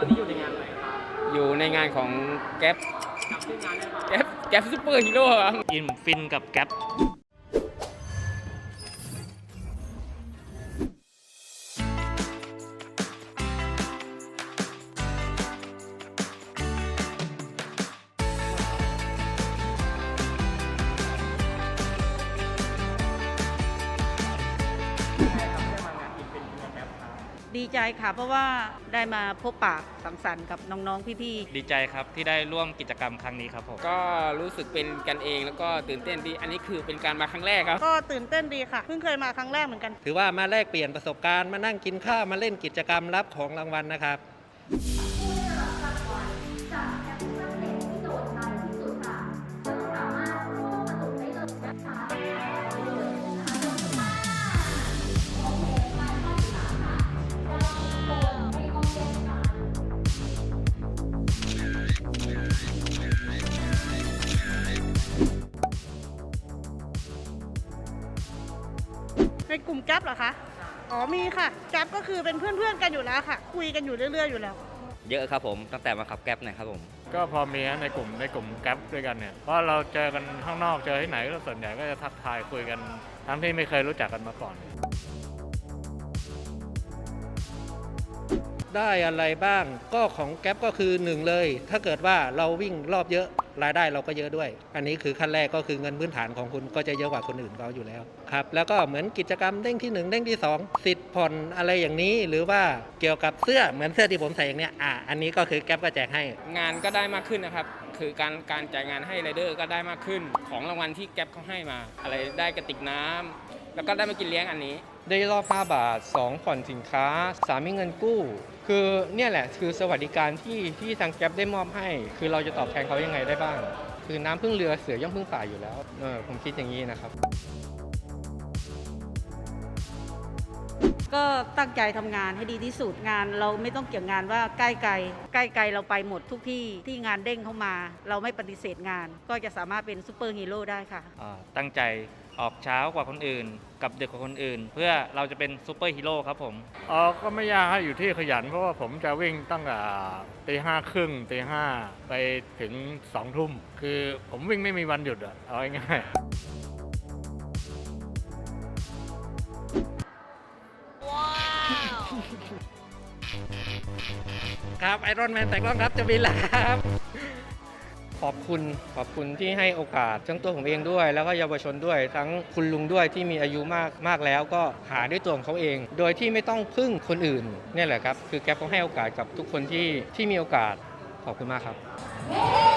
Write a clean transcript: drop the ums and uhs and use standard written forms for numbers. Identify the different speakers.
Speaker 1: อนนี้อยู่ในงานอะไรครับ
Speaker 2: อยู่ในงานของแก๊ป
Speaker 1: จำชื่องานได้ไหม
Speaker 2: แก๊ปซูเปอร์ฮีโร่ครับ
Speaker 3: อิ่มฟินกับแก๊ป
Speaker 4: ดีใจค่ะเพราะว่าได้มาพบปะสังสรรค์กับน้องๆพี่ๆ
Speaker 3: ดีใจครับที่ได้ร่วมกิจกรรมครั้งนี้ครับผม
Speaker 2: ก็รู้สึกเป็นกันเองแล้วก็ตื่นเต้นดีอันนี้คือเป็นการมาครั้งแรกครับ
Speaker 4: ก็ตื่นเต้นดีค่ะเพิ่งเคยมาครั้งแรกเหมือนกัน
Speaker 5: ถือว่ามาแลกเปลี่ยนประสบการณ์มานั่งกินข้าวมาเล่นกิจกรรมรับของรางวัลนะครับ
Speaker 4: ในกลุ่มแก๊ปเหรอคะอ๋อมีค่ะแก๊ปก็คือเป็นเพื่อนๆกันอยู่แล้วค่ะคุยกันอยู่เรื่อยๆอยู่แล้ว
Speaker 6: เยอะครับผมตั้งแต่มาขับแก๊ปนะครับผม
Speaker 7: ก็พอมีในกลุ่มแก๊ปด้วยกันเนี่ยเพราะเราเจอกันข้างนอกเจอที่ไหนก็ส่วนใหญ่ก็จะทักทายคุยกันทั้งที่ไม่เคยรู้จักกันมาก่อน
Speaker 5: ได้อะไรบ้างก็ของแก๊ปก็คือ1เลยถ้าเกิดว่าเราวิ่งรอบเยอะรายได้เราก็เยอะด้วยอันนี้คือขั้นแรกก็คือเงินพื้นฐานของคุณก็จะเยอะกว่าคนอื่นเขาอยู่แล้วครับแล้วก็เหมือนกิจกรรมเด้งที่1เด้งที่2สิทธิ์ผ่อนอะไรอย่างนี้หรือว่าเกี่ยวกับเสื้อเหมือนเสื้อที่ผมใส่อย่างเนี้ยอันนี้ก็คือแก๊ปก็แจกให้
Speaker 2: งานก็ได้มากขึ้นนะครับคือการจ่ายงานให้ไรเดอร์ก็ได้มากขึ้นของรางวัลที่แก๊ปเขาให้มาอะไรได้กระติกน้ำแล้วก็ได้มากินเลี้ยงอันนี้
Speaker 8: ได้รอบ5 บาท2ผ่อนสินค้า3มีเงินกู้คือเนี่ยแหละคือสวัสดิการที่ทางแก๊ปได้มอบให้คือเราจะตอบแทนเขายังไงได้บ้างคือน้ำพึ่งเรือเสือย่อมพึ่งป่าอยู่แล้วผมคิดอย่างนี้นะครับ
Speaker 4: ก็ตั้งใจทำงานให้ดีที่สุดงานเราไม่ต้องเกี่ยงงานว่าใกล้ไกลเราไปหมดทุกที่ที่งานเด้งเข้ามาเราไม่ปฏิเสธงานก็จะสามารถเป็นซูเปอร์ฮีโร่ได้ค่ะ
Speaker 3: ตั้งใจออกเช้ากว่าคนอื่นกับดึกกว่าคนอื่นเพื่อเราจะเป็นซูเปอร์ฮีโร่ครับผม
Speaker 7: ก็ไม่ยากให้อยู่ที่ขยันเพราะว่าผมจะวิ่งตั้งแต่5:30 5:00ไปถึง2 ทุ่มคือผมวิ่งไม่มีวันหยุดเอาง่าย
Speaker 5: ครับไอรอนแมนแต่กล้องครับจะบินแล้วครับ
Speaker 8: ขอบคุณที่ให้โอกาสทั้งตัวผมเองด้วยแล้วก็เยาวชนด้วยทั้งคุณลุงด้วยที่มีอายุมากแล้วก็หาด้วยตัวของเขาเองโดยที่ไม่ต้องพึ่งคนอื่นเนี่ยแหละครับคือแก๊ปเขาให้โอกาสกับทุกคนที่มีโอกาสขอบคุณมากครับ